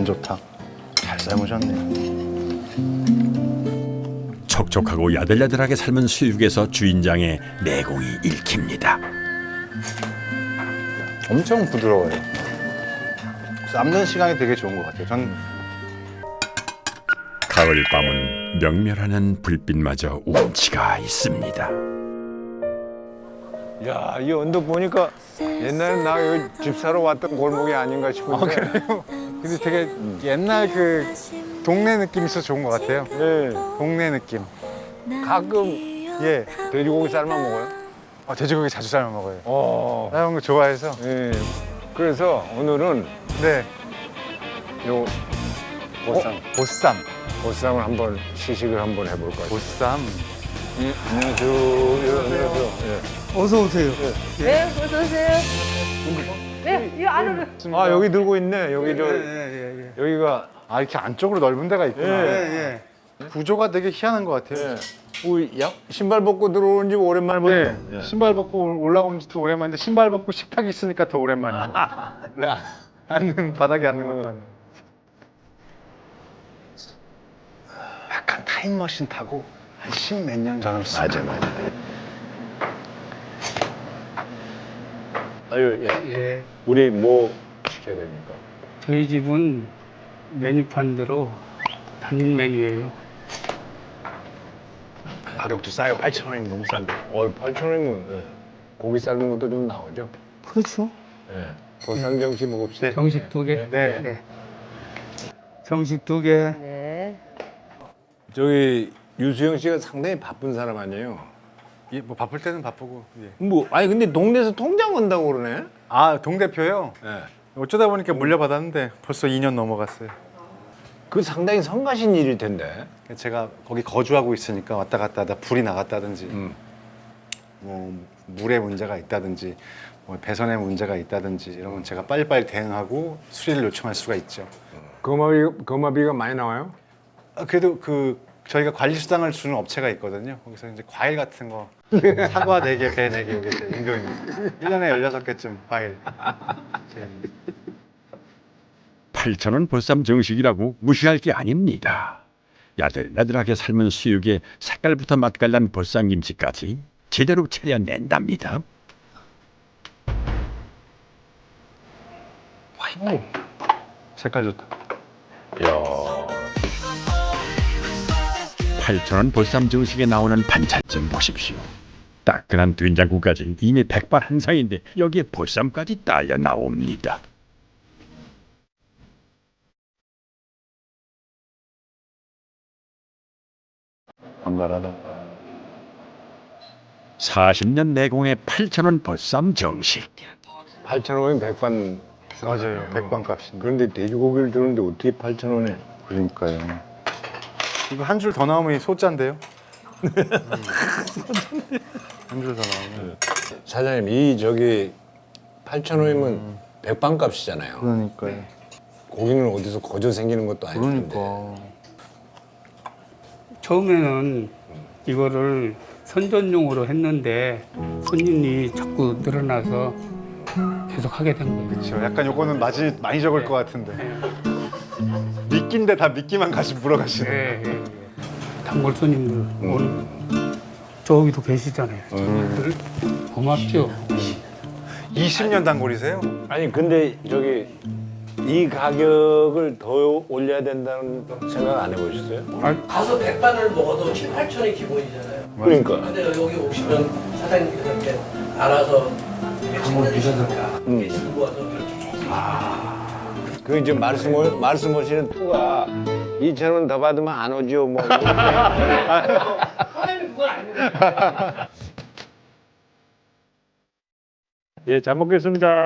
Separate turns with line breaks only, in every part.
간 좋다. 잘 삶으셨네요.
촉촉하고 야들야들하게 삶은 수육에서 주인장의 내공이 읽힙니다.
엄청 부드러워요. 삶는 시간이 되게 좋은 것 같아요. 전
가을밤은 명멸하는 불빛마저 운치가 있습니다.
야, 이 언덕 보니까 옛날에 나 여기 집 사러 왔던 골목이 아닌가 싶은데.
그래요? 근데 되게 옛날 그 동네 느낌이 있어서 좋은 것 같아요.
네.
동네 느낌.
가끔
예.
돼지고기 삶아 먹어요.
돼지고기 자주 삶아 먹어요. 삶은 거 좋아해서.
예. 그래서 오늘은
네.
요 보쌈,
보쌈.
보쌈을 한번 시식을 한번 해볼까요?
보쌈.
예, 안녕하세요. 안녕하세요. 예.
어서 오세요.
네, 어서 오세요. 네, 이 안으로.
아, 여기 들고 있네. 여기 저
예.
여기가
이렇게 안쪽으로 넓은 데가 있구나.
예.
구조가 되게 희한한 것 같아요.
예. 신발 벗고 들어오는 지 오랜만에 보네.
네. 신발 벗고 올라온 지도 오랜만인데 신발 벗고 식탁이 있으니까 더 오랜만이에요.
네.
앉는 바닥에 앉는 것만. 약간 타임머신 타고 한 십몇 년 전으로
맞아. 아유, 예.
예,
우리 뭐 시켜야 됩니까?
저희 집은 메뉴판대로 단일 메뉴예요.
가격도 싸요. 8,000원이면 너무 싼데. 8,000원이면 고기 삶는 것도 좀 나오죠?
그렇죠.
예. 보쌈 정식 먹읍시다.
정식 2개.
네.
정식 2개.
네.
저기 유수영 씨가 상당히 바쁜 사람 아니에요?
예, 뭐 바쁠 때는 바쁘고. 예.
뭐 아니 근데 동네에서 통장 온다고 그러네?
동대표요?
예.
어쩌다 보니까 물려받았는데 벌써 2년 넘어갔어요.
그 상당히 성가신 일일 텐데.
제가 거기 거주하고 있으니까 왔다 갔다 하다 불이 나갔다든지 뭐 물에 문제가 있다든지 뭐 배선에 문제가 있다든지 이러면 제가 빨리빨리 대응하고 수리를 요청할 수가 있죠.
거마비가 많이 나와요?
그래도 그 저희가 관리 수당을 주는 업체가 있거든요. 거기서 이제 과일 같은 거 사과 4개, 배 4개 이게 제 임금입니다. 1년에 16개쯤 과일.
8,000원 보쌈 정식이라고 무시할 게 아닙니다. 야들야들하게 삶은 수육에 색깔부터 맛깔난 보쌈김치까지 제대로 차려낸답니다.
색깔 좋다.
8,000원 보쌈 정식에 나오는 반찬 좀 보십시오. 따끈한 된장국까지 이미 백발한상인데 여기에 보쌈까지 딸려 나옵니다.
반갈하다.
40년 내공의 8,000원 보쌈 정식.
8,000원이면 백반.
맞아요. 백반값입니다.
그런데 돼지고기를 주는데 어떻게 8,000원에?
그러니까요. 이거 한 줄 더 나오면 이 소자인데요. 한 줄 더 나오면.
사장님 이 저기 8,000원이면 백반값이잖아요.
그러니까요.
고기는 어디서 거저 생기는 것도 아닐 텐데.
그러니까.
처음에는 이거를 선전용으로 했는데 손님이 자꾸 늘어나서 계속 하게 된 거예요.
그렇죠. 약간 요거는 맛이 많이 적을 것 같은데. 미끼인데 다 미끼만 같이 물어가시네.
예, 예. 단골 손님들 오늘 저기도 계시잖아요. 고맙죠.
20년 단골이세요?
아니 근데 저기 이 가격을 더 올려야 된다는 생각 안 해보셨어요?
가서 백반을 먹어도 7, 8천이 기본이잖아요.
그러니까.
근데 여기 오시면 사장님께서 이렇게 알아서 한번 드셔서 들고 와서 이렇게
그 이제 말씀하시는 투가 2,000원 더 받으면 안 오죠 뭐.
사장님 그건 아니에요.
예, 잘 먹겠습니다.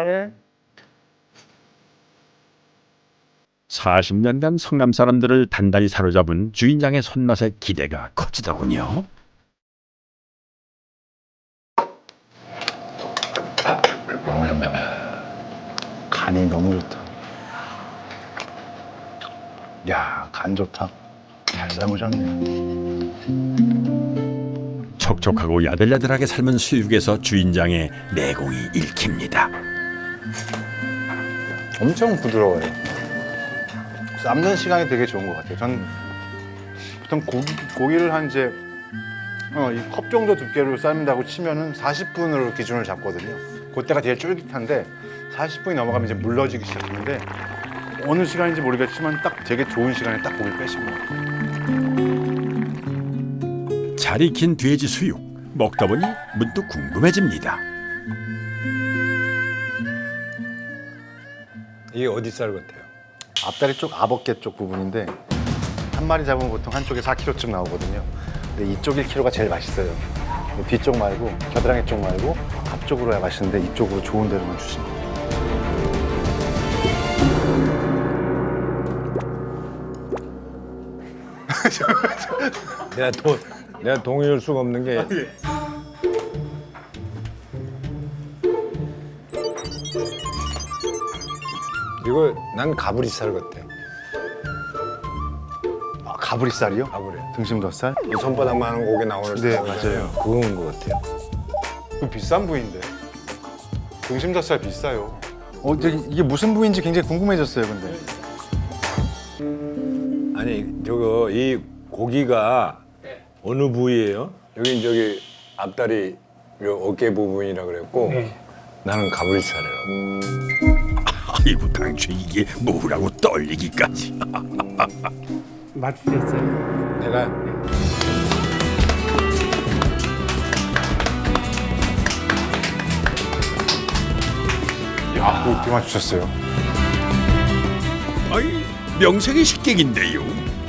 40년간 성남 사람들을 단단히 사로잡은 주인장의 손맛에 기대가 커지더군요.
간이 너무 좋다. 야, 간 좋다. 잘 삶으셨네요.
촉촉하고 야들야들하게 삶은 수육에서 주인장의 내공이 읽힙니다.
엄청 부드러워요. 삶는 시간이 되게 좋은 것 같아요. 전 보통 고기를 한 이제 이 컵 정도 두께로 삶는다고 치면은 40분으로 기준을 잡거든요. 그때가 되게 쫄깃한데 40분이 넘어가면 이제 물러지기 시작하는데 어느 시간인지 모르겠지만 딱 되게 좋은 시간에 딱 고기를 빼신 것 같아요.
잘 익힌 돼지 수육 먹다 보니 문득 궁금해집니다.
이게 어디 쌀 같아요?
앞다리 쪽 아버개 쪽 부분인데 한 마리 잡으면 보통 한쪽에 4kg쯤 나오거든요. 근데 이쪽 1kg가 제일 맛있어요. 뒤쪽 말고 겨드랑이 쪽 말고 앞쪽으로 해야 맛있는데 이쪽으로 좋은 데로만 주시면 돼요.
내가 동의할 수가 없는 게 이거 난 가브리살 같아.
아, 가브리살이요?
가브리.
등심덧살?
이 손바닥만 하는 고기 나오는
네,
살
맞아요.
그건 것 같아요.
그 비싼 부위인데 등심덧살 비싸요. 이게 무슨 부위인지 굉장히 궁금해졌어요. 근데
아니 저거 이 고기가 어느 부위예요? 여긴 저기 앞다리 요 어깨 부분이라 그랬고
네.
나는 가브리살이라고.
아이고 당최 이게 뭐라고 떨리기까지.
맞추셨어요.
내가
야, 그거 어떻게 맞추셨어요?
아이 명색이 식객인데요.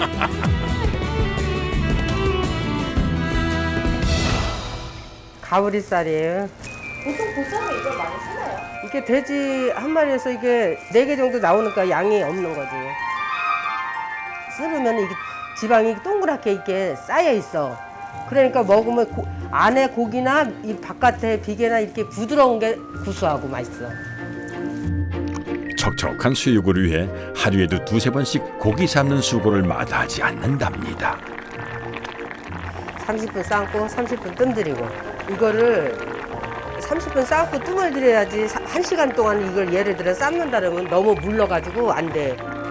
가브리살이에요.
보통 보쌈에 이걸 많이 쓰나요?
이게 돼지 한 마리에서 이게 4개 정도 나오니까 양이 없는 거지. 썰으면 이게 지방이 동그랗게 이렇게 쌓여 있어. 그러니까 먹으면 안에 고기나 이 바깥에 비계나 이렇게 부드러운 게 구수하고 맛있어.
촉촉한 수육을 위해 하루에도 2-3번씩 고기 삶는 수고를 마다하지 않는답니다.
30분 삶고 30분 뜸 들이고 이거를 30분 삶고 뜸을 들여야지 1시간 동안 이걸 예를 들어 삶는다 그러면 너무 물러가지고 안 돼.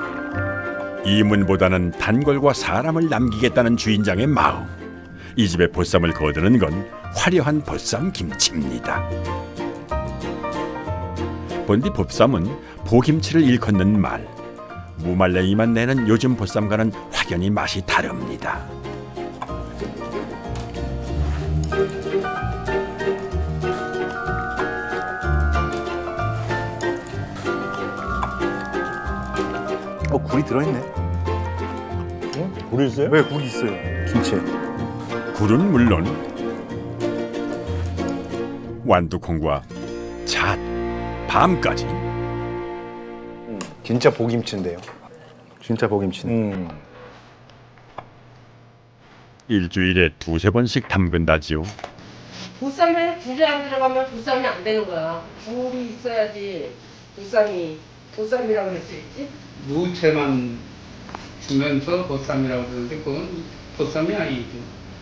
이문보다는 단골과 사람을 남기겠다는 주인장의 마음. 이 집의 보쌈을 거두는 건 화려한 보쌈 김치입니다. 본디 보쌈은 보김치를 일컫는 말. 무말랭이만 내는 요즘 보쌈과는 확연히 맛이 다릅니다.
굴이 들어있네.
굴이 있어요?
왜 굴이 있어요? 김치에.
굴은 물론 완두콩과 잣, 밤까지
진짜 보김치인데요. 진짜 보김치네.
일주일에 2-3번씩 담근다지요.
보쌈에 불이 안 들어가면 보쌈이 안 되는 거야. 불이 있어야지 보쌈이라고 할 수 있지.
무채만 주면서 보쌈이라고 그러는데 그건 보쌈이 아니죠.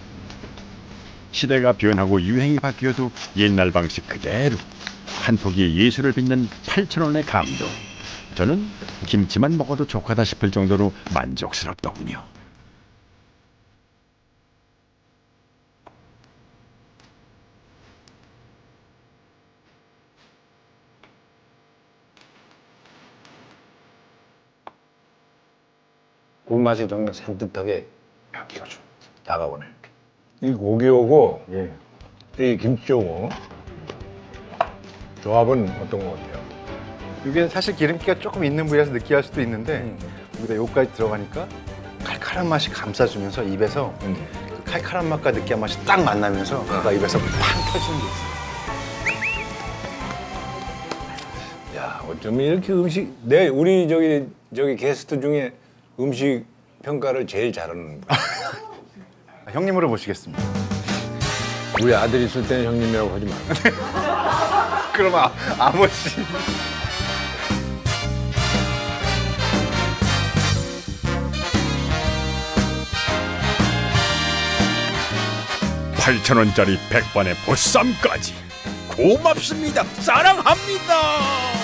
시대가 변하고 유행이 바뀌어도 옛날 방식 그대로 한 포기의 예술을 빚는 8,000원의 감동. 저는 김치만 먹어도 족하다 싶을 정도로 만족스럽더군요.
굴맛이 좀 산뜻하게 여기가 좀 다가오네. 이 고기하고
예.
이 김치하고 조합은 어떤 것 같아요?
이게 사실 기름기가 조금 있는 부위라서 느끼할 수도 있는데 여기다 요까지 들어가니까 칼칼한 맛이 감싸주면서 입에서 그 칼칼한 맛과 느끼한 맛이 딱 만나면서 뭔가 입에서 팡 터지는 게 있어요.
야, 어쩌면 이렇게 우리 저기 게스트 중에 음식 평가를 제일 잘하는 분.
형님으로 모시겠습니다.
우리 아들 있을 때는 형님이라고 하지 마.
그럼 아버지.
$8,000원짜리 백반의 보쌈까지 고맙습니다. 사랑합니다.